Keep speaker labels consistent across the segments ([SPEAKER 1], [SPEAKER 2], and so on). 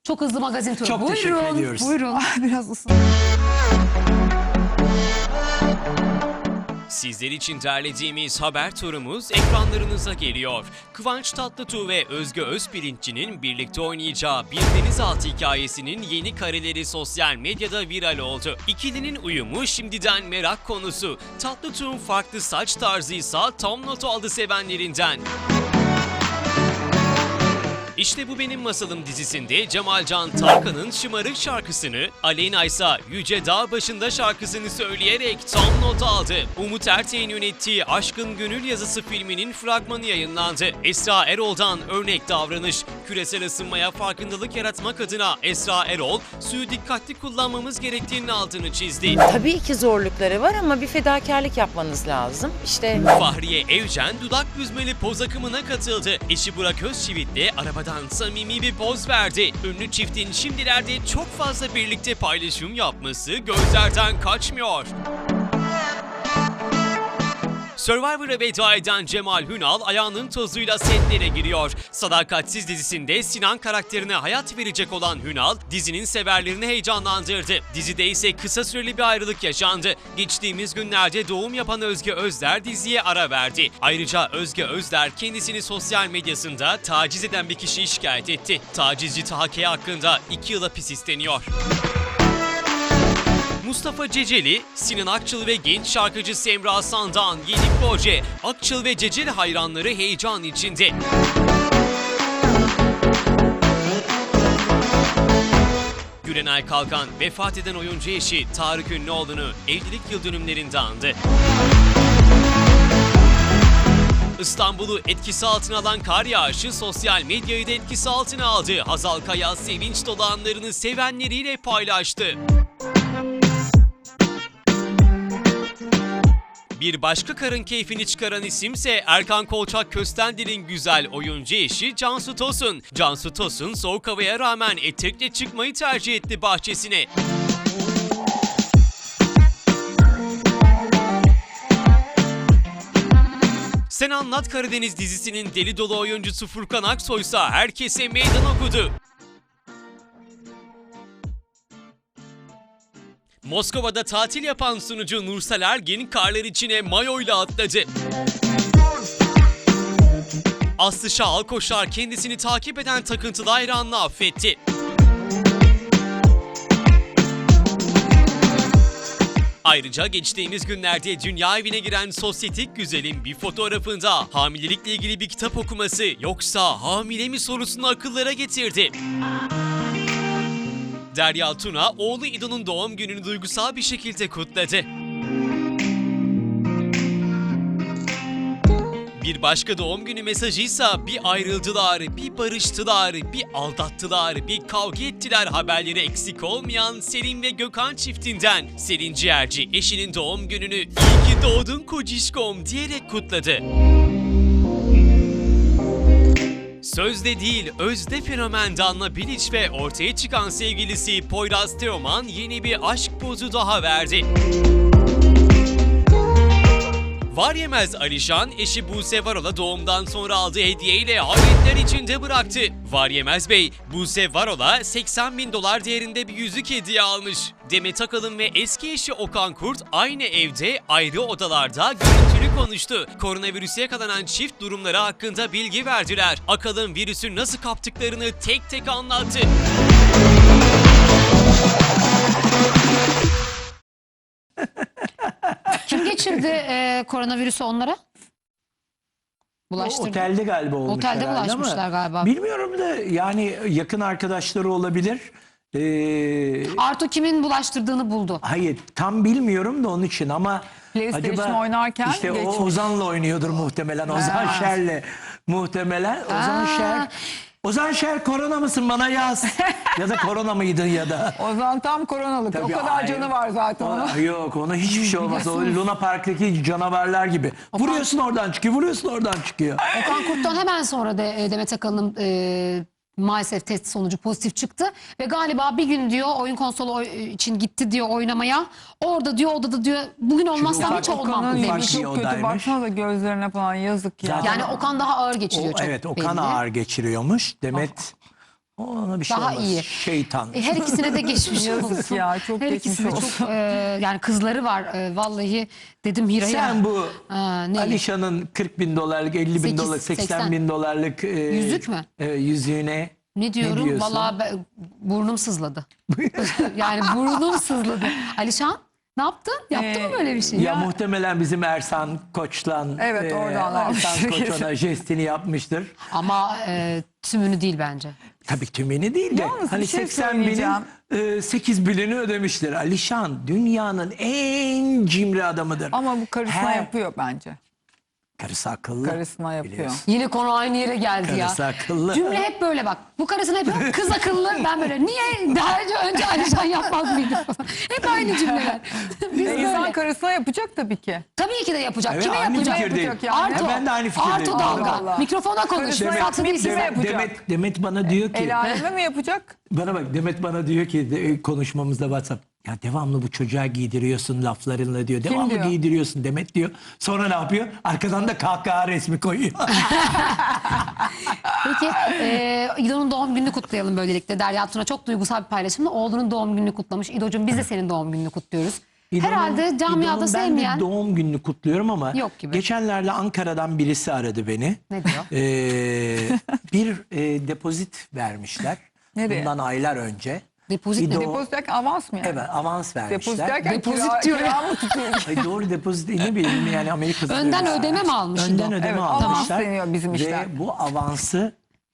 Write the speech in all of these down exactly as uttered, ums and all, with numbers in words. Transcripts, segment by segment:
[SPEAKER 1] Çok hızlı magazin turu.
[SPEAKER 2] Çok
[SPEAKER 1] Buyurun,
[SPEAKER 2] teşekkür ediyoruz.
[SPEAKER 1] Buyurun.
[SPEAKER 3] Biraz ısın.
[SPEAKER 4] Sizler için derlediğimiz haber turumuz ekranlarınıza geliyor. Kıvanç Tatlıtuğ ve Özge Özpirinççi'nin birlikte oynayacağı Bir Denizaltı hikayesinin yeni kareleri sosyal medyada viral oldu. İkilinin uyumu şimdiden merak konusu. Tatlıtuğ'un farklı saç tarzıysa tam not aldı sevenlerinden. İşte Bu Benim Masalım dizisinde Cemalcan Tarkan'ın Şımarık şarkısını, Aleyna ise Yüce Dağ Başında şarkısını söyleyerek tam not aldı. Umut Erteğin yönettiği Aşkın Gönül Yazısı filminin fragmanı yayınlandı. Esra Erol'dan örnek davranış. Küresel ısınmaya farkındalık yaratmak adına Esra Erol, suyu dikkatli kullanmamız gerektiğinin altını çizdi.
[SPEAKER 5] Tabii ki zorlukları var ama bir fedakarlık yapmanız lazım. İşte
[SPEAKER 4] Fahriye Evcen dudak büzmeli poz akımına katıldı. Eşi Burak Özçivit'le arabadan samimi bir poz verdi. Ünlü çiftin şimdilerde çok fazla birlikte paylaşım yapması gözlerden kaçmıyor. Survivor'a veda eden Cemal Hünal ayağının tozuyla setlere giriyor. Sadakatsiz dizisinde Sinan karakterine hayat verecek olan Hünal, dizinin severlerini heyecanlandırdı. Dizide ise kısa süreli bir ayrılık yaşandı. Geçtiğimiz günlerde doğum yapan Özge Özler diziye ara verdi. Ayrıca Özge Özler kendisini sosyal medyasında taciz eden bir kişiyi şikayet etti. Tacizci Taha K hakkında iki yıl hapis isteniyor. Mustafa Ceceli, Sinan Akçıl ve genç şarkıcı Semra Sandan yeni proje. Akçıl ve Ceceli hayranları heyecan içinde. Gülenay Kalkan, vefat eden oyuncu eşi Tarık Ünlüoğlu'nu evlilik yıl dönümlerinde andı. İstanbul'u etkisi altına alan kar yağışı sosyal medyayı da etkisi altına aldı. Hazal Kaya sevinç dolu anlarını sevenleriyle paylaştı. Bir başka karın keyfini çıkaran isimse Erkan Kolçak Köstender'in güzel oyuncu eşi Cansu Tosun. Cansu Tosun soğuk havaya rağmen etekle çıkmayı tercih etti bahçesine. Sen Anlat Karadeniz dizisinin deli dolu oyuncusu Furkan Aksoy ise herkese meydan okudu. Moskova'da tatil yapan sunucu Nursel Ergin karlar içine mayoyla atladı. Aslı Şahal Koşar kendisini takip eden takıntılı hayranını affetti. Ayrıca geçtiğimiz günlerde dünya evine giren sosyetik güzelin bir fotoğrafında hamilelikle ilgili bir kitap okuması yoksa hamile mi sorusunu akıllara getirdi. Derya Tuna, oğlu İdo'nun doğum gününü duygusal bir şekilde kutladı. Bir başka doğum günü mesajıysa bir ayrıldılar, bir barıştılar, bir aldattılar, bir kavga ettiler haberleri eksik olmayan Selin ve Gökhan çiftinden. Selin Ciğerci eşinin doğum gününü "İyi ki doğdun kocişkom" diyerek kutladı. Sözde değil, özde fenomen Danla Bilic ve ortaya çıkan sevgilisi Poyraz Teoman yeni bir aşk pozu daha verdi. Var yemez Alişan, eşi Buse Varol'a doğumdan sonra aldığı hediyeyle hayretler içinde bıraktı. Var yemez Bey, Buse Varol'a seksen bin dolar değerinde bir yüzük hediye almış. Demet Akalın ve eski eşi Okan Kurt aynı evde, ayrı odalarda görüntülü konuştu. Koronavirüse yakalanan çift durumları hakkında bilgi verdiler. Akalın virüsü nasıl kaptıklarını tek tek anlattı.
[SPEAKER 1] Kim geçirdi e, koronavirüsü onlara?
[SPEAKER 2] O
[SPEAKER 1] Bulaştırdı.
[SPEAKER 2] otelde galiba olmuş
[SPEAKER 1] Otelde
[SPEAKER 2] herhalde
[SPEAKER 1] bulaşmışlar
[SPEAKER 2] ama
[SPEAKER 1] galiba.
[SPEAKER 2] bilmiyorum da yani yakın arkadaşları olabilir. Ee,
[SPEAKER 1] Artu kimin bulaştırdığını buldu.
[SPEAKER 2] hayır tam bilmiyorum da onun için ama
[SPEAKER 3] PlayStation
[SPEAKER 2] acaba
[SPEAKER 3] oynarken
[SPEAKER 2] işte o
[SPEAKER 3] geçmiş.
[SPEAKER 2] Ozan'la oynuyordur muhtemelen. Ozan
[SPEAKER 3] Ha.
[SPEAKER 2] Şer'le muhtemelen. Ozan
[SPEAKER 1] Ha.
[SPEAKER 2] Şer. Ozan Şer korona mısın bana yaz. Ya da korona mıydın ya da.
[SPEAKER 3] O zaman tam koronalık.
[SPEAKER 2] Tabii,
[SPEAKER 3] o kadar
[SPEAKER 2] ay-
[SPEAKER 3] canı var zaten
[SPEAKER 2] O-
[SPEAKER 3] onun.
[SPEAKER 2] Yok ona hiçbir şey olmaz. O Luna Park'taki canavarlar gibi. Vuruyorsun oradan çıkıyor, vuruyorsun oradan çıkıyor.
[SPEAKER 1] Okan Kurt'tan hemen sonra da e, Demet Akalın'ın e, maalesef test sonucu pozitif çıktı. Ve galiba bir gün diyor oyun konsolu oy- için gitti diyor oynamaya. Orada diyor odada diyor bugün olmazsam
[SPEAKER 2] ufak-
[SPEAKER 1] hiç olmam
[SPEAKER 3] Okan'ın
[SPEAKER 1] demiş.
[SPEAKER 2] ufak bir
[SPEAKER 3] çok kötü.
[SPEAKER 2] odaymış.
[SPEAKER 3] Baksana da gözlerine falan yazık ya.
[SPEAKER 2] Zaten-
[SPEAKER 1] Yani Okan daha ağır geçiriyor
[SPEAKER 2] O,
[SPEAKER 1] çok
[SPEAKER 2] evet Okan
[SPEAKER 1] belli.
[SPEAKER 2] ağır geçiriyormuş. Demet Ona bir şey
[SPEAKER 1] Daha
[SPEAKER 2] olmaz.
[SPEAKER 1] iyi.
[SPEAKER 2] Şeytan.
[SPEAKER 1] E, her ikisine de geçmiş
[SPEAKER 3] Yazık
[SPEAKER 1] olsun.
[SPEAKER 3] ya, çok
[SPEAKER 1] her
[SPEAKER 3] geçmiş
[SPEAKER 1] ikisine
[SPEAKER 3] olsun.
[SPEAKER 1] çok e, yani kızları var. E, vallahi dedim Hira'ya.
[SPEAKER 2] Sen bu
[SPEAKER 1] Aa, ne?
[SPEAKER 2] Alişan'ın kırk bin dolarlık, elli bin
[SPEAKER 1] Sekiz,
[SPEAKER 2] dolar, seksen
[SPEAKER 1] seksen
[SPEAKER 2] bin dolarlık e,
[SPEAKER 1] Yüzük mü?
[SPEAKER 2] e, yüzüğüne
[SPEAKER 1] Ne diyorum?
[SPEAKER 2] diyorsun?
[SPEAKER 1] Vallahi ben- burnum sızladı. Yani burnum sızladı. Alişan ne yaptın? Yaptı
[SPEAKER 3] Ee,
[SPEAKER 1] mı böyle bir şey?
[SPEAKER 2] Ya muhtemelen bizim Ersan Koç'tan
[SPEAKER 3] Evet, oradan almıştır
[SPEAKER 2] Ersan Koç
[SPEAKER 3] kesin.
[SPEAKER 2] ona jestini yapmıştır.
[SPEAKER 1] Ama e, tümünü değil bence.
[SPEAKER 2] Tabii tümeni değil de
[SPEAKER 3] Yalnız bir
[SPEAKER 2] hani
[SPEAKER 3] şey
[SPEAKER 2] seksen binin
[SPEAKER 3] söyleyeceğim.
[SPEAKER 2] e, sekiz binini ödemiştir. Alişan dünyanın en cimri adamıdır.
[SPEAKER 3] Ama bu karısına
[SPEAKER 2] Her-
[SPEAKER 3] yapıyor bence.
[SPEAKER 2] Karısı akıllı.
[SPEAKER 3] Karısına yapıyor.
[SPEAKER 2] biliyorsun.
[SPEAKER 1] Yine konu aynı yere geldi ya.
[SPEAKER 2] Karısı akıllı.
[SPEAKER 1] Cümle hep böyle bak. Bu karısına hep kız akıllı. Ben böyle niye daha önce, önce Alişan yapmaz mıydı falan. Hep aynı cümleler. Biz
[SPEAKER 3] E, insan
[SPEAKER 1] böyle.
[SPEAKER 3] karısına yapacak tabii ki.
[SPEAKER 1] Tabii ki de yapacak.
[SPEAKER 2] Evet,
[SPEAKER 1] Kime
[SPEAKER 2] aynı
[SPEAKER 1] yapacak?
[SPEAKER 2] fikirdeyim.
[SPEAKER 3] Yapacak yani.
[SPEAKER 1] Arto.
[SPEAKER 2] Ha, ben de aynı fikirdeyim.
[SPEAKER 1] Arto dalga.
[SPEAKER 3] Allah Allah.
[SPEAKER 1] Mikrofona konuş.
[SPEAKER 3] Karısına
[SPEAKER 1] Saklı
[SPEAKER 3] yapmayıp
[SPEAKER 1] değilsin.
[SPEAKER 3] kime yapacak?
[SPEAKER 2] Demet, Demet bana diyor ki
[SPEAKER 3] El aleme mi yapacak?
[SPEAKER 2] bana bak Demet bana diyor ki de, konuşmamızda WhatsApp ya devamlı bu çocuğa giydiriyorsun laflarınla diyor. Devamlı
[SPEAKER 3] diyor?
[SPEAKER 2] giydiriyorsun Demet diyor. Sonra ne yapıyor? Arkadan da kahkaha resmi koyuyor.
[SPEAKER 1] Peki e, İdo'nun doğum gününü kutlayalım böylelikle. Derya Tuna çok duygusal bir paylaşımla oğlunun doğum gününü kutlamış. İdo'cum biz de senin doğum gününü kutluyoruz.
[SPEAKER 2] İdo'nun-
[SPEAKER 1] Herhalde camiada
[SPEAKER 2] İdo'nun
[SPEAKER 1] sevmeyen...
[SPEAKER 2] Ben de doğum gününü kutluyorum ama
[SPEAKER 1] Yok gibi.
[SPEAKER 2] geçenlerde Ankara'dan birisi aradı beni.
[SPEAKER 1] Ne diyor?
[SPEAKER 2] Ee, bir e, depozit vermişler.
[SPEAKER 3] Nereye?
[SPEAKER 2] Bundan aylar önce.
[SPEAKER 1] Depozit ne?
[SPEAKER 2] İdo-
[SPEAKER 3] Depozit derken avans mı yani?
[SPEAKER 2] Evet avans vermişler.
[SPEAKER 3] Depozit derken
[SPEAKER 1] Depozit
[SPEAKER 3] kira,
[SPEAKER 1] diyor
[SPEAKER 3] kira
[SPEAKER 1] ya.
[SPEAKER 3] mı tutuyor?
[SPEAKER 2] Ay doğru depozit ne bileyim yani Amerika'da.
[SPEAKER 1] Önden ödeme mi almış
[SPEAKER 2] Önden
[SPEAKER 1] İdo?
[SPEAKER 2] ödeme
[SPEAKER 3] Evet,
[SPEAKER 2] almışlar.
[SPEAKER 3] avans deniyor bizim işler.
[SPEAKER 2] Ve bu avansı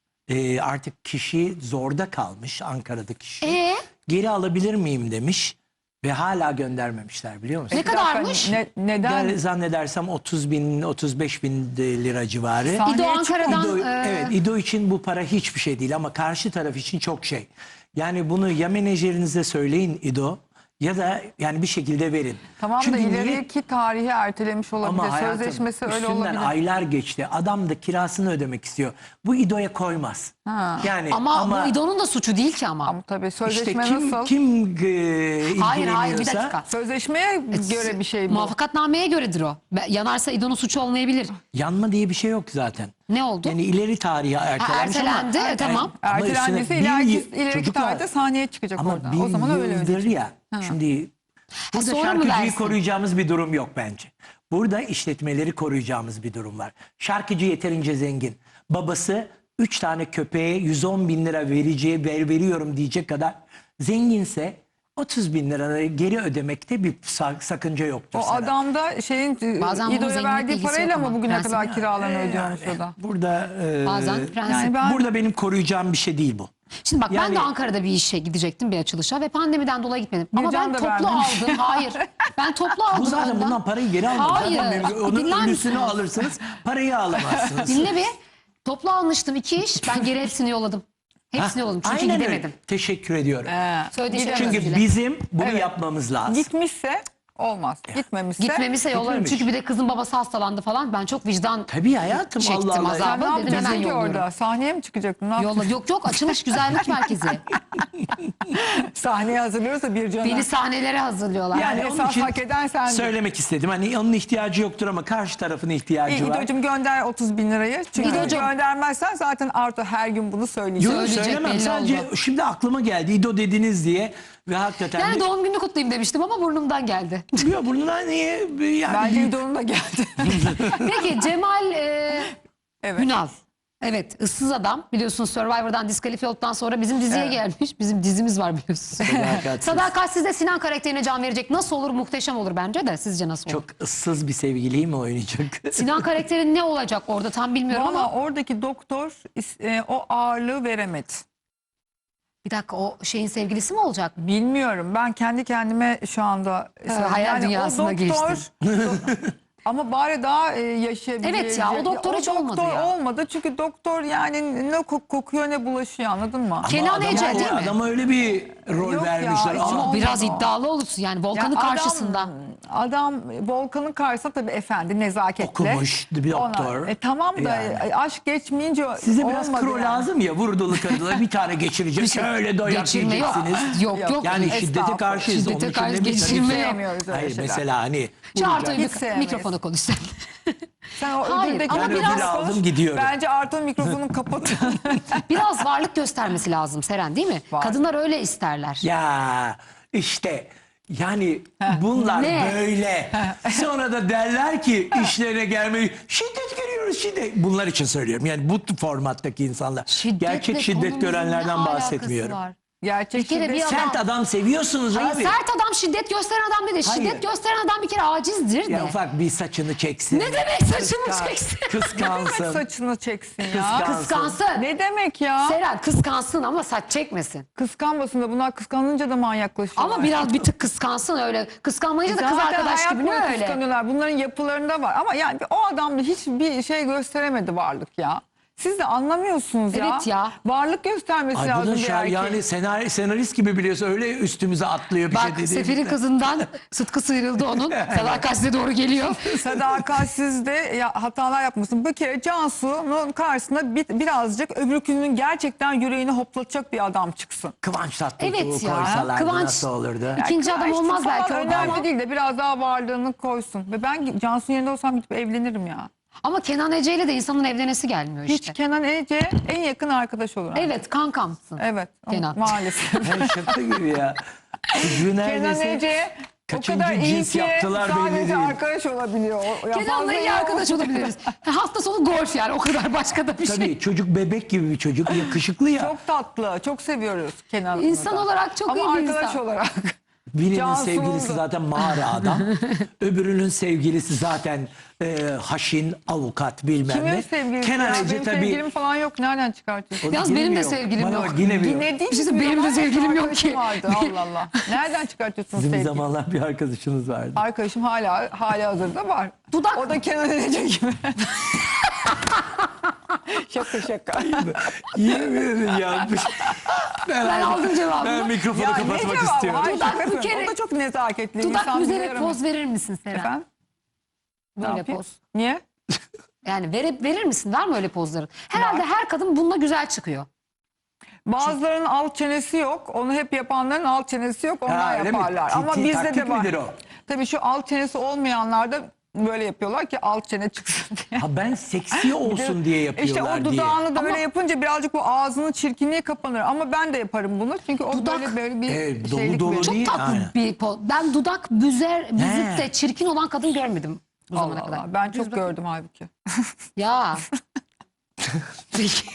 [SPEAKER 2] e, artık kişi zorda kalmış Ankara'daki kişi.
[SPEAKER 1] Ee?
[SPEAKER 2] Geri alabilir miyim demiş ve hala göndermemişler biliyor musun?
[SPEAKER 1] Ne kadarmış?
[SPEAKER 3] Ne, neden?
[SPEAKER 2] Gel, zannedersem otuz bin otuz beş bin lira civarı.
[SPEAKER 3] Sa-
[SPEAKER 1] İdo
[SPEAKER 3] Sahneye
[SPEAKER 1] Ankara'dan...
[SPEAKER 2] İdo,
[SPEAKER 1] e,
[SPEAKER 2] evet İdo için bu para hiçbir şey değil ama karşı taraf için çok şey. Yani bunu ya menajerinize söyleyin İdo ya da yani bir şekilde verin.
[SPEAKER 3] Tamam
[SPEAKER 2] Çünkü
[SPEAKER 3] da
[SPEAKER 2] niye-
[SPEAKER 3] ileriki tarihi ertelemiş olabilir.
[SPEAKER 2] Ama hayatım,
[SPEAKER 3] Sözleşmesi öyle
[SPEAKER 2] üstünden
[SPEAKER 3] olabilir.
[SPEAKER 2] aylar geçti. Adam da kirasını ödemek istiyor. Bu İdo'ya koymaz.
[SPEAKER 3] Ha.
[SPEAKER 2] Yani
[SPEAKER 1] ama, bu İdo'nun da suçu değil ki ama.
[SPEAKER 3] Ama tabii
[SPEAKER 2] işte
[SPEAKER 3] sözleşme
[SPEAKER 2] kim
[SPEAKER 3] nasıl?
[SPEAKER 2] kim e,
[SPEAKER 1] Hayır hayır bir
[SPEAKER 2] ilgileniyorsa-
[SPEAKER 1] dakika.
[SPEAKER 3] Sözleşmeye göre bir şey bu.
[SPEAKER 1] Muvaffakatnameye göredir o. Be- Yanarsa İdo'nun suçu olmayabilir.
[SPEAKER 2] Yanma diye bir şey yok zaten.
[SPEAKER 1] Ne oldu?
[SPEAKER 2] Yani ileri tarihe ertelenmiş ama.
[SPEAKER 1] ertelendi, e, tamam.
[SPEAKER 2] Ama üstüne
[SPEAKER 3] Ertelendiyse
[SPEAKER 2] bir
[SPEAKER 3] ileriki,
[SPEAKER 2] yıl-
[SPEAKER 3] ileriki
[SPEAKER 2] çocuklar,
[SPEAKER 3] tarihte sahneye çıkacak
[SPEAKER 2] ama
[SPEAKER 3] oradan.
[SPEAKER 2] bir
[SPEAKER 3] O zaman öyle
[SPEAKER 2] yıldır
[SPEAKER 3] ödeyecek.
[SPEAKER 2] ya. Şimdi burada
[SPEAKER 1] sonra mı
[SPEAKER 2] şarkıcıyı
[SPEAKER 1] versin?
[SPEAKER 2] koruyacağımız bir durum yok bence. Burada işletmeleri koruyacağımız bir durum var. Şarkıcı yeterince zengin. Babası üç tane köpeğe yüz on bin lira vereceği ver veriyorum diyecek kadar zenginse otuz bin lira geri ödemekte bir sa- sakınca yoktur.
[SPEAKER 3] O
[SPEAKER 2] sana.
[SPEAKER 3] adam da şeyin
[SPEAKER 1] Bazen bunun
[SPEAKER 3] İdo'ya
[SPEAKER 1] zenginlikle
[SPEAKER 3] verdiği
[SPEAKER 1] ilgisi
[SPEAKER 3] parayla
[SPEAKER 1] yok
[SPEAKER 3] mı
[SPEAKER 1] ama.
[SPEAKER 3] bugüne
[SPEAKER 1] Prensip
[SPEAKER 3] kadar
[SPEAKER 1] yani.
[SPEAKER 3] kiralarını
[SPEAKER 2] Ee,
[SPEAKER 3] ödüyormuş
[SPEAKER 2] yani
[SPEAKER 3] o da.
[SPEAKER 2] Burada e,
[SPEAKER 1] Bazen prensip.
[SPEAKER 3] Yani ben
[SPEAKER 2] burada benim koruyacağım bir şey değil bu.
[SPEAKER 1] Şimdi bak ben
[SPEAKER 2] Yani-
[SPEAKER 1] de Ankara'da bir işe gidecektim, bir açılışa ve pandemiden dolayı gitmedim. Ama
[SPEAKER 3] Bircan
[SPEAKER 1] ben
[SPEAKER 3] da
[SPEAKER 1] toplu
[SPEAKER 3] vermemiş.
[SPEAKER 1] aldım. Hayır. Ben toplu aldım.
[SPEAKER 2] Bu zaten
[SPEAKER 1] ondan.
[SPEAKER 2] bundan parayı geri almak.
[SPEAKER 1] Hayır.
[SPEAKER 2] Zaten benim- onun
[SPEAKER 1] Dinler
[SPEAKER 2] ölüsünü
[SPEAKER 1] misiniz?
[SPEAKER 2] alırsınız, parayı alamazsınız.
[SPEAKER 1] Dinle bir. Toplu almıştım iki iş. Ben geri hepsini yolladım. Hepsini yolladım çünkü
[SPEAKER 2] Aynen öyle.
[SPEAKER 1] gidemedim.
[SPEAKER 2] Teşekkür ediyorum.
[SPEAKER 1] Söylediği şey
[SPEAKER 2] Çünkü
[SPEAKER 1] özür dile.
[SPEAKER 2] bizim bunu
[SPEAKER 3] Evet.
[SPEAKER 2] yapmamız lazım.
[SPEAKER 3] Gitmişse olmaz. Gitmemişse.
[SPEAKER 1] Gitmemişse yollarım.
[SPEAKER 2] Gitmemiş.
[SPEAKER 1] Çünkü bir de kızın babası hastalandı falan. Ben çok vicdan
[SPEAKER 2] Tabii hayatım
[SPEAKER 1] çektim
[SPEAKER 2] Allah Allah.
[SPEAKER 1] azabı.
[SPEAKER 3] Sen ne
[SPEAKER 1] Dedim
[SPEAKER 3] yapacaksın
[SPEAKER 1] hemen
[SPEAKER 3] ki
[SPEAKER 1] yolluyorum.
[SPEAKER 3] orada? Sahneye mi çıkacaktın? Ne
[SPEAKER 1] Yolla.
[SPEAKER 3] yapacaksın?
[SPEAKER 1] Yok yok açılış güzellik merkezi.
[SPEAKER 3] Sahneye hazırlıyorsa bir cana.
[SPEAKER 1] Beni sahnelere hazırlıyorlar.
[SPEAKER 3] Yani
[SPEAKER 2] onun
[SPEAKER 3] esas
[SPEAKER 2] için
[SPEAKER 3] hak eden sendin.
[SPEAKER 2] Söylemek istedim. Hani onun ihtiyacı yoktur ama karşı tarafın ihtiyacı
[SPEAKER 3] İyi,
[SPEAKER 2] var.
[SPEAKER 3] İdo'cum gönder otuz bin lirayı. Çünkü
[SPEAKER 1] İdo'cum.
[SPEAKER 3] göndermezsen zaten Arto her gün bunu söyleyecek.
[SPEAKER 2] Yok
[SPEAKER 1] Söyleyecek,
[SPEAKER 2] söylemem.
[SPEAKER 1] belli
[SPEAKER 2] Sadece
[SPEAKER 1] oldu.
[SPEAKER 2] şimdi aklıma geldi. İdo dediniz diye ve hakikaten
[SPEAKER 1] Yani
[SPEAKER 2] de-
[SPEAKER 1] doğum gününü kutlayayım demiştim ama burnumdan geldi.
[SPEAKER 2] Ya burnuna niye yani
[SPEAKER 3] Bence
[SPEAKER 2] büyük-
[SPEAKER 3] İdo'nun da geldi.
[SPEAKER 1] Peki Cemal e,
[SPEAKER 3] Evet.
[SPEAKER 1] Ünal. Evet, ıssız adam. Biliyorsunuz Survivor'dan diskalifiye olduktan sonra bizim diziye
[SPEAKER 3] Evet.
[SPEAKER 1] gelmiş. Bizim dizimiz var biliyorsunuz.
[SPEAKER 2] Sadakatsiz.
[SPEAKER 1] Sadakatsiz'de Sinan karakterine can verecek. Nasıl olur? Muhteşem olur bence de. Sizce nasıl olur?
[SPEAKER 2] çok ıssız bir sevgiliyi mi oynayacak?
[SPEAKER 1] Sinan karakteri ne olacak orada tam bilmiyorum
[SPEAKER 3] Valla
[SPEAKER 1] ama
[SPEAKER 3] oradaki doktor is- e, o ağırlığı veremedi.
[SPEAKER 1] bir dakika o şeyin sevgilisi mi olacak?
[SPEAKER 3] Bilmiyorum. Ben kendi kendime şu anda söylüyorum.
[SPEAKER 1] hayal
[SPEAKER 3] o
[SPEAKER 1] dünyasına
[SPEAKER 3] doktor, ama bari daha e, yaşayabilecek.
[SPEAKER 1] Evet ya, o doktor hiç olmadı
[SPEAKER 3] doktor
[SPEAKER 1] ya.
[SPEAKER 3] olmadı çünkü doktor yani ne kok- kokuyor ne bulaşıyor anladın mı?
[SPEAKER 2] Ama
[SPEAKER 1] Kenan
[SPEAKER 2] adama-
[SPEAKER 1] Ece değil mi?
[SPEAKER 2] Adama öyle bir rol
[SPEAKER 3] Yok ya,
[SPEAKER 2] vermişler.
[SPEAKER 3] hiç
[SPEAKER 2] Aa,
[SPEAKER 1] Ama
[SPEAKER 3] olmadı
[SPEAKER 1] biraz
[SPEAKER 3] o.
[SPEAKER 1] iddialı olursun yani
[SPEAKER 3] Ya
[SPEAKER 1] Volkan'ın
[SPEAKER 3] adam-
[SPEAKER 1] karşısında.
[SPEAKER 3] Adam Volkan'ın karşısında tabii efendi nezaketle.
[SPEAKER 2] Okumuş bir doktor.
[SPEAKER 3] Ona- E, tamam da
[SPEAKER 2] Yani.
[SPEAKER 3] e, aşk geçmeyince
[SPEAKER 2] Size biraz
[SPEAKER 3] olmadı
[SPEAKER 2] kro
[SPEAKER 3] yani.
[SPEAKER 2] lazım ya vurdulu kırdılı bir tane geçirecek. Şöyle doyak
[SPEAKER 1] Geçirme yok.
[SPEAKER 2] yiyeceksiniz.
[SPEAKER 1] Yok yok.
[SPEAKER 3] Yok.
[SPEAKER 2] Yani
[SPEAKER 3] Estağfurullah.
[SPEAKER 2] şiddete karşıyız.
[SPEAKER 1] Şiddete
[SPEAKER 2] Onun için
[SPEAKER 1] karşı
[SPEAKER 2] de bir-
[SPEAKER 1] geçirme yok.
[SPEAKER 3] Sevmiyoruz öyle
[SPEAKER 2] Hayır
[SPEAKER 3] şeyler.
[SPEAKER 2] mesela hani
[SPEAKER 1] Çağatay
[SPEAKER 3] Hiç sevmeyiz.
[SPEAKER 1] mikrofona konuş sen.
[SPEAKER 3] Sen o
[SPEAKER 1] Hayır,
[SPEAKER 3] ödüldeki
[SPEAKER 1] ama
[SPEAKER 2] Ben
[SPEAKER 1] biraz-
[SPEAKER 2] ödül aldım gidiyorum.
[SPEAKER 3] Bence Arto mikrofonu kapatın.
[SPEAKER 1] Biraz varlık göstermesi lazım Seren, değil mi?
[SPEAKER 3] Var.
[SPEAKER 1] Kadınlar öyle isterler.
[SPEAKER 2] Ya işte yani bunlar
[SPEAKER 1] Ne?
[SPEAKER 2] böyle. Sonra da derler ki işlerine gelmeyi şiddet görüyoruz şiddet. Bunlar için söylüyorum. Yani bu formattaki insanlar.
[SPEAKER 1] Şiddetle
[SPEAKER 2] Gerçek şiddet
[SPEAKER 1] konunun ne
[SPEAKER 2] görenlerden
[SPEAKER 1] alakası
[SPEAKER 2] bahsetmiyorum.
[SPEAKER 1] var?
[SPEAKER 3] Gerçek
[SPEAKER 1] Bir kere
[SPEAKER 3] şiddet-
[SPEAKER 1] bir adam-
[SPEAKER 2] Sert adam seviyorsunuz
[SPEAKER 1] Hayır,
[SPEAKER 2] abi.
[SPEAKER 1] sert adam şiddet gösteren adam değil.
[SPEAKER 2] Hayır.
[SPEAKER 1] Şiddet gösteren adam bir kere acizdir de.
[SPEAKER 2] Ya ufak bir saçını çeksin.
[SPEAKER 1] Ne demek saçını
[SPEAKER 2] Kıskan-
[SPEAKER 1] çeksin?
[SPEAKER 2] Kıskansın.
[SPEAKER 3] saçını çeksin ya.
[SPEAKER 2] Kıskan-
[SPEAKER 1] Kıskansın.
[SPEAKER 3] Ne demek ya?
[SPEAKER 1] Seren kıskansın ama saç çekmesin.
[SPEAKER 3] Kıskanmasın da bunlar kıskanınca da manyaklaşıyorlar.
[SPEAKER 1] Ama biraz bir tık kıskansın öyle. Kıskanmayınca da kız
[SPEAKER 3] Zaten
[SPEAKER 1] arkadaş
[SPEAKER 3] hayat
[SPEAKER 1] gibi ne
[SPEAKER 3] boyu
[SPEAKER 1] öyle?
[SPEAKER 3] kıskanıyorlar. Bunların yapılarında var. Ama yani o adam da hiçbir şey gösteremedi varlık ya. Siz de anlamıyorsunuz ya.
[SPEAKER 1] Evet ya.
[SPEAKER 3] Varlık göstermesi
[SPEAKER 2] Ay bu
[SPEAKER 3] lazım
[SPEAKER 2] da
[SPEAKER 3] bir
[SPEAKER 2] şer,
[SPEAKER 3] erkeğin.
[SPEAKER 2] yani senarist, senarist gibi biliyorsun öyle üstümüze atlıyor bir
[SPEAKER 1] Bak
[SPEAKER 2] şey dediğimizde.
[SPEAKER 1] Sefer'in kızından Sıtkı sıyrıldı onun. Sadakat size doğru geliyor.
[SPEAKER 3] Sadakatsizde ya, hatalar yapmasın. Bir kere Cansu'nun karşısında bir, birazcık öbürkünün gerçekten yüreğini hoplatacak bir adam çıksın.
[SPEAKER 2] Kıvanç Tatlıtuğ'u
[SPEAKER 1] Evet ya,
[SPEAKER 2] koysalardı
[SPEAKER 1] Kıvanç-
[SPEAKER 2] nasıl olurdu?
[SPEAKER 1] İkinci adam
[SPEAKER 3] İşte
[SPEAKER 1] olmaz
[SPEAKER 3] falan
[SPEAKER 1] belki orada
[SPEAKER 3] önemli
[SPEAKER 1] ama.
[SPEAKER 3] değil de biraz daha varlığını koysun. Ve ben Cansu'nun yerinde olsam gidip evlenirim ya.
[SPEAKER 1] Ama Kenan Ece ile de insanın evlenesi gelmiyor
[SPEAKER 3] Hiç
[SPEAKER 1] işte.
[SPEAKER 3] Kenan Ece en yakın arkadaş olur.
[SPEAKER 1] Evet kankamsın.
[SPEAKER 3] Evet.
[SPEAKER 1] Kenan.
[SPEAKER 3] Maalesef.
[SPEAKER 2] Hey, şaka gibi ya. Çocuğu
[SPEAKER 3] Kenan
[SPEAKER 2] neredeyse
[SPEAKER 3] Ece o
[SPEAKER 2] kaçıncı
[SPEAKER 3] kadar iyi
[SPEAKER 2] cins
[SPEAKER 3] ki
[SPEAKER 2] yaptılar belli
[SPEAKER 3] sadece
[SPEAKER 2] değil.
[SPEAKER 3] arkadaş olabiliyor. O- ya
[SPEAKER 1] Kenan'la
[SPEAKER 3] fazla
[SPEAKER 1] iyi
[SPEAKER 3] yok.
[SPEAKER 1] arkadaş olabiliriz. Hafta sonu golf yani o kadar başka da bir şey.
[SPEAKER 2] Tabii çocuk bebek gibi bir çocuk, yakışıklı ya.
[SPEAKER 3] Çok tatlı. Çok seviyoruz Kenan'ı.
[SPEAKER 1] İnsan
[SPEAKER 3] da.
[SPEAKER 1] olarak çok
[SPEAKER 3] Ama
[SPEAKER 1] iyi bir
[SPEAKER 3] arkadaş
[SPEAKER 1] insan.
[SPEAKER 3] olarak.
[SPEAKER 2] Birinin
[SPEAKER 3] Cansu'nun
[SPEAKER 2] sevgilisi
[SPEAKER 3] da.
[SPEAKER 2] zaten mağara adam. Öbürünün sevgilisi zaten e, haşin, avukat bilmem
[SPEAKER 3] Kimin
[SPEAKER 2] ne.
[SPEAKER 3] sevgilisi
[SPEAKER 2] Kenan
[SPEAKER 3] ya?
[SPEAKER 2] Ece
[SPEAKER 3] Benim
[SPEAKER 2] tabii.
[SPEAKER 3] sevgilim falan yok. Nereden çıkartıyorsun?
[SPEAKER 2] O da
[SPEAKER 1] Yalnız
[SPEAKER 2] yine
[SPEAKER 1] benim
[SPEAKER 2] mi
[SPEAKER 1] de
[SPEAKER 2] yok?
[SPEAKER 1] sevgilim
[SPEAKER 2] Bana
[SPEAKER 1] yok.
[SPEAKER 2] bak, yine mi yok?
[SPEAKER 3] Yine değil
[SPEAKER 1] Bir şey
[SPEAKER 3] mi?
[SPEAKER 1] benim de
[SPEAKER 3] Benim
[SPEAKER 1] sevgilim yok
[SPEAKER 3] arkadaşım
[SPEAKER 1] ki.
[SPEAKER 3] Vardı. Allah Allah. Nereden çıkartıyorsun
[SPEAKER 2] Bizim bir
[SPEAKER 3] sevgili?
[SPEAKER 2] zamanlar bir arkadaşınız vardı.
[SPEAKER 3] Arkadaşım hala hala hazırda var.
[SPEAKER 1] Dudak-
[SPEAKER 3] O da Kenan Ece gibi. şaka şaka.
[SPEAKER 2] Yemin ederim yanlış. Ben,
[SPEAKER 1] Ben aldım cevabını.
[SPEAKER 2] Ben mikrofonu
[SPEAKER 3] Ya ne
[SPEAKER 2] kapatmak
[SPEAKER 3] cevabı?
[SPEAKER 2] istiyorum.
[SPEAKER 3] Hayır,
[SPEAKER 1] Dudak
[SPEAKER 3] şakasın.
[SPEAKER 1] bir kere-
[SPEAKER 3] O da çok nezaketli.
[SPEAKER 1] Dudak
[SPEAKER 3] insan
[SPEAKER 1] büzerek
[SPEAKER 3] biliyorum.
[SPEAKER 1] poz verir misin Seren?
[SPEAKER 3] Efendim? Ne
[SPEAKER 1] Böyle
[SPEAKER 3] yapayım?
[SPEAKER 1] poz.
[SPEAKER 3] Niye?
[SPEAKER 1] Yani verip verir misin? Var mı öyle pozların? Herhalde her kadın bununla güzel çıkıyor.
[SPEAKER 3] Bazılarının alt çenesi yok. Onu hep yapanların alt çenesi yok. Onlar
[SPEAKER 2] Ha, öyle mi?
[SPEAKER 3] yaparlar.
[SPEAKER 2] Ti-
[SPEAKER 3] Ama
[SPEAKER 2] ti-
[SPEAKER 3] bizde
[SPEAKER 2] taktik
[SPEAKER 3] de var.
[SPEAKER 2] midir o?
[SPEAKER 3] Tabii şu alt çenesi olmayanlar da böyle yapıyorlar ki alt çene çıksın diye.
[SPEAKER 2] Ha ben seksi olsun diye yapıyorlar
[SPEAKER 3] İşte o
[SPEAKER 2] diye.
[SPEAKER 3] dudağını da
[SPEAKER 1] Ama-
[SPEAKER 3] böyle yapınca birazcık bu ağzının çirkinliği kapanır. Ama ben de yaparım bunu. Çünkü o
[SPEAKER 1] Dudak-
[SPEAKER 3] böyle böyle bir
[SPEAKER 2] Evet, dolu
[SPEAKER 3] şeylik
[SPEAKER 2] dolu
[SPEAKER 3] verir.
[SPEAKER 1] Çok
[SPEAKER 2] değil,
[SPEAKER 1] tatlı
[SPEAKER 2] aynen.
[SPEAKER 1] bir poz. Ben dudak büzer, büzüp
[SPEAKER 2] He.
[SPEAKER 1] de çirkin olan kadın görmedim bu zamana
[SPEAKER 3] Allah
[SPEAKER 1] kadar.
[SPEAKER 3] Allah. Ben
[SPEAKER 1] Büz
[SPEAKER 3] çok
[SPEAKER 1] bakayım.
[SPEAKER 3] gördüm halbuki.
[SPEAKER 1] Ya. Peki.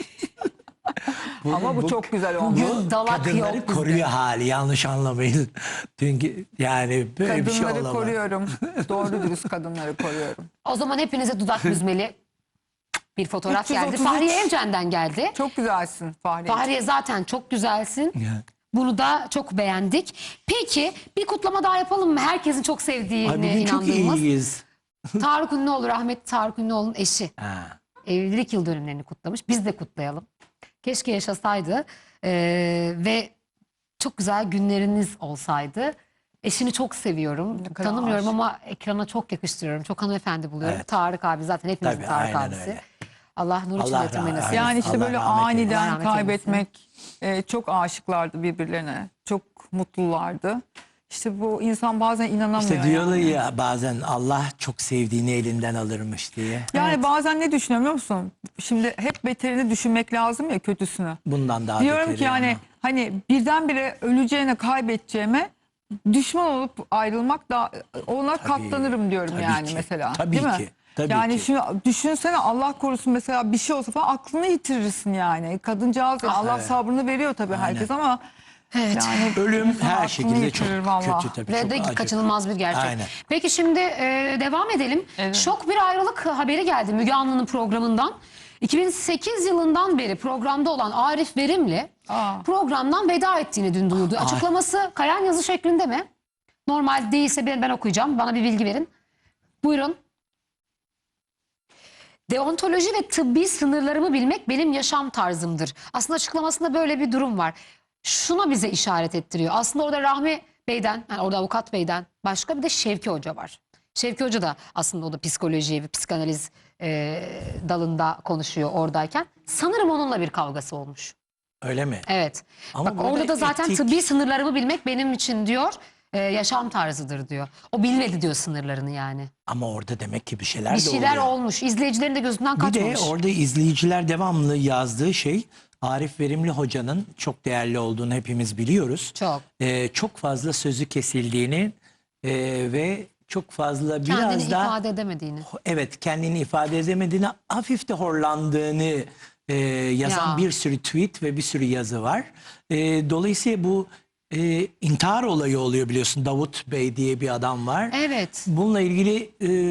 [SPEAKER 3] Ama bu çok güzel oldu.
[SPEAKER 1] Bugün dalak yok
[SPEAKER 2] Kadınları
[SPEAKER 1] bizde.
[SPEAKER 2] koruyor hali, yanlış anlamayın. Çünkü yani böyle bir şey
[SPEAKER 3] Kadınları
[SPEAKER 2] olamaz.
[SPEAKER 3] koruyorum. Doğru dürüst kadınları koruyorum.
[SPEAKER 1] O zaman hepinize dudak büzmeli bir fotoğraf
[SPEAKER 3] üç yüz
[SPEAKER 1] geldi.
[SPEAKER 3] otuz üç.
[SPEAKER 1] Fahriye Evcen'den geldi.
[SPEAKER 3] Çok güzelsin Fahriye.
[SPEAKER 1] Fahriye zaten çok güzelsin.
[SPEAKER 2] Ya.
[SPEAKER 1] Bunu da çok beğendik. Peki bir kutlama daha yapalım mı? Herkesin çok
[SPEAKER 2] Ay
[SPEAKER 1] sevdiğine
[SPEAKER 2] bugün çok
[SPEAKER 1] inandığımız.
[SPEAKER 2] iyiyiz.
[SPEAKER 1] Tarık Ünlüoğlu, rahmetli Tarık Ünlüoğlu'nun eşi.
[SPEAKER 2] Ha.
[SPEAKER 1] Evlilik yıl dönümlerini kutlamış. Biz de kutlayalım. Keşke yaşasaydı Ee, ve çok güzel günleriniz olsaydı. Eşini çok seviyorum.
[SPEAKER 3] Ne kadar
[SPEAKER 1] Tanımıyorum
[SPEAKER 3] aşık.
[SPEAKER 1] ama ekrana çok yakıştırıyorum. Çok hanımefendi buluyorum.
[SPEAKER 2] Evet.
[SPEAKER 1] Tarık abi zaten hepimizin
[SPEAKER 2] Tabii,
[SPEAKER 1] Tarık
[SPEAKER 2] aynen
[SPEAKER 1] abisi.
[SPEAKER 2] öyle.
[SPEAKER 1] Allah nur içinde
[SPEAKER 2] Allah
[SPEAKER 1] yatırmayı
[SPEAKER 2] rahmet-
[SPEAKER 1] nasip
[SPEAKER 3] Yani
[SPEAKER 1] etsin.
[SPEAKER 3] işte
[SPEAKER 2] Allah
[SPEAKER 3] böyle
[SPEAKER 2] rahmet eylesin.
[SPEAKER 1] Allah
[SPEAKER 3] aniden
[SPEAKER 1] rahmet
[SPEAKER 3] kaybetmek e, çok aşıklardı birbirlerine. Çok mutlulardı. İşte bu insan bazen inanamıyor.
[SPEAKER 2] İşte diyorlar
[SPEAKER 3] yani.
[SPEAKER 2] ya bazen Allah çok sevdiğini elinden alırmış diye.
[SPEAKER 3] Yani bazen ne düşünüyorum biliyor musun? Şimdi hep beterini düşünmek lazım ya, kötüsünü.
[SPEAKER 2] Bundan daha
[SPEAKER 3] Diyorum
[SPEAKER 2] beteri
[SPEAKER 3] ki yani
[SPEAKER 2] ama.
[SPEAKER 3] hani birdenbire öleceğine, kaybedeceğime düşman olup ayrılmak da ona katlanırım diyorum
[SPEAKER 2] tabii
[SPEAKER 3] yani
[SPEAKER 2] ki,
[SPEAKER 3] mesela.
[SPEAKER 2] tabii
[SPEAKER 3] Değil mi?
[SPEAKER 2] ki, tabii
[SPEAKER 3] yani
[SPEAKER 2] ki.
[SPEAKER 3] şimdi düşünsene, Allah korusun mesela bir şey olsa falan aklını yitirirsin yani. Kadıncağız yani Allah
[SPEAKER 2] evet.
[SPEAKER 3] sabrını veriyor tabii herkes ama
[SPEAKER 1] Evet.
[SPEAKER 3] yani
[SPEAKER 2] Ölüm
[SPEAKER 3] insan
[SPEAKER 2] her
[SPEAKER 3] aklını
[SPEAKER 2] şekilde çok
[SPEAKER 3] yitirir vallahi.
[SPEAKER 2] kötü tabii.
[SPEAKER 1] Ve
[SPEAKER 2] çok
[SPEAKER 1] de
[SPEAKER 2] acı.
[SPEAKER 1] kaçınılmaz bir gerçek.
[SPEAKER 2] Aynen.
[SPEAKER 1] Peki şimdi e, devam edelim.
[SPEAKER 3] Evet.
[SPEAKER 1] Şok bir ayrılık haberi geldi Müge Anlı'nın programından. iki bin sekiz yılından beri programda olan Arif Verimli
[SPEAKER 3] Aa.
[SPEAKER 1] programdan veda ettiğini dün duyurdu. Açıklaması kalem yazı şeklinde mi? Normal değilse ben, ben okuyacağım. Bana bir bilgi verin. Buyurun. Deontoloji ve tıbbi sınırlarımı bilmek benim yaşam tarzımdır. Aslında açıklamasında böyle bir durum var. Şuna bize işaret ettiriyor. Aslında orada Rahmi Bey'den, yani orada Avukat Bey'den başka bir de Şevki Hoca var. Şevki Hoca da aslında o da psikoloji ve psikanaliz e, dalında konuşuyor oradayken. Sanırım onunla bir kavgası olmuş.
[SPEAKER 2] Öyle mi?
[SPEAKER 1] Evet.
[SPEAKER 2] Ama
[SPEAKER 1] Bak
[SPEAKER 2] burada
[SPEAKER 1] orada da zaten
[SPEAKER 2] etik-
[SPEAKER 1] tıbbi sınırlarımı bilmek benim için diyor. e, yaşam tarzıdır diyor. O bilmedi diyor sınırlarını yani.
[SPEAKER 2] Ama orada demek ki bir şeyler
[SPEAKER 1] Bir
[SPEAKER 2] de
[SPEAKER 1] şeyler
[SPEAKER 2] oluyor.
[SPEAKER 1] olmuş. İzleyicilerin de gözünden
[SPEAKER 2] Bir
[SPEAKER 1] kaçmamış.
[SPEAKER 2] de orada izleyiciler devamlı yazdığı şey, Arif Verimli Hoca'nın çok değerli olduğunu hepimiz biliyoruz.
[SPEAKER 1] Çok.
[SPEAKER 2] Ee, çok fazla sözü kesildiğini e, ve çok fazla biraz
[SPEAKER 1] Kendini
[SPEAKER 2] da
[SPEAKER 1] ifade edemediğini.
[SPEAKER 2] evet kendini ifade edemediğini, hafif de horlandığını e, yazan
[SPEAKER 1] Ya.
[SPEAKER 2] bir sürü tweet ve bir sürü yazı var. E, dolayısıyla bu e, intihar olayı oluyor biliyorsun. Davut Bey diye bir adam var.
[SPEAKER 1] Evet.
[SPEAKER 2] Bununla ilgili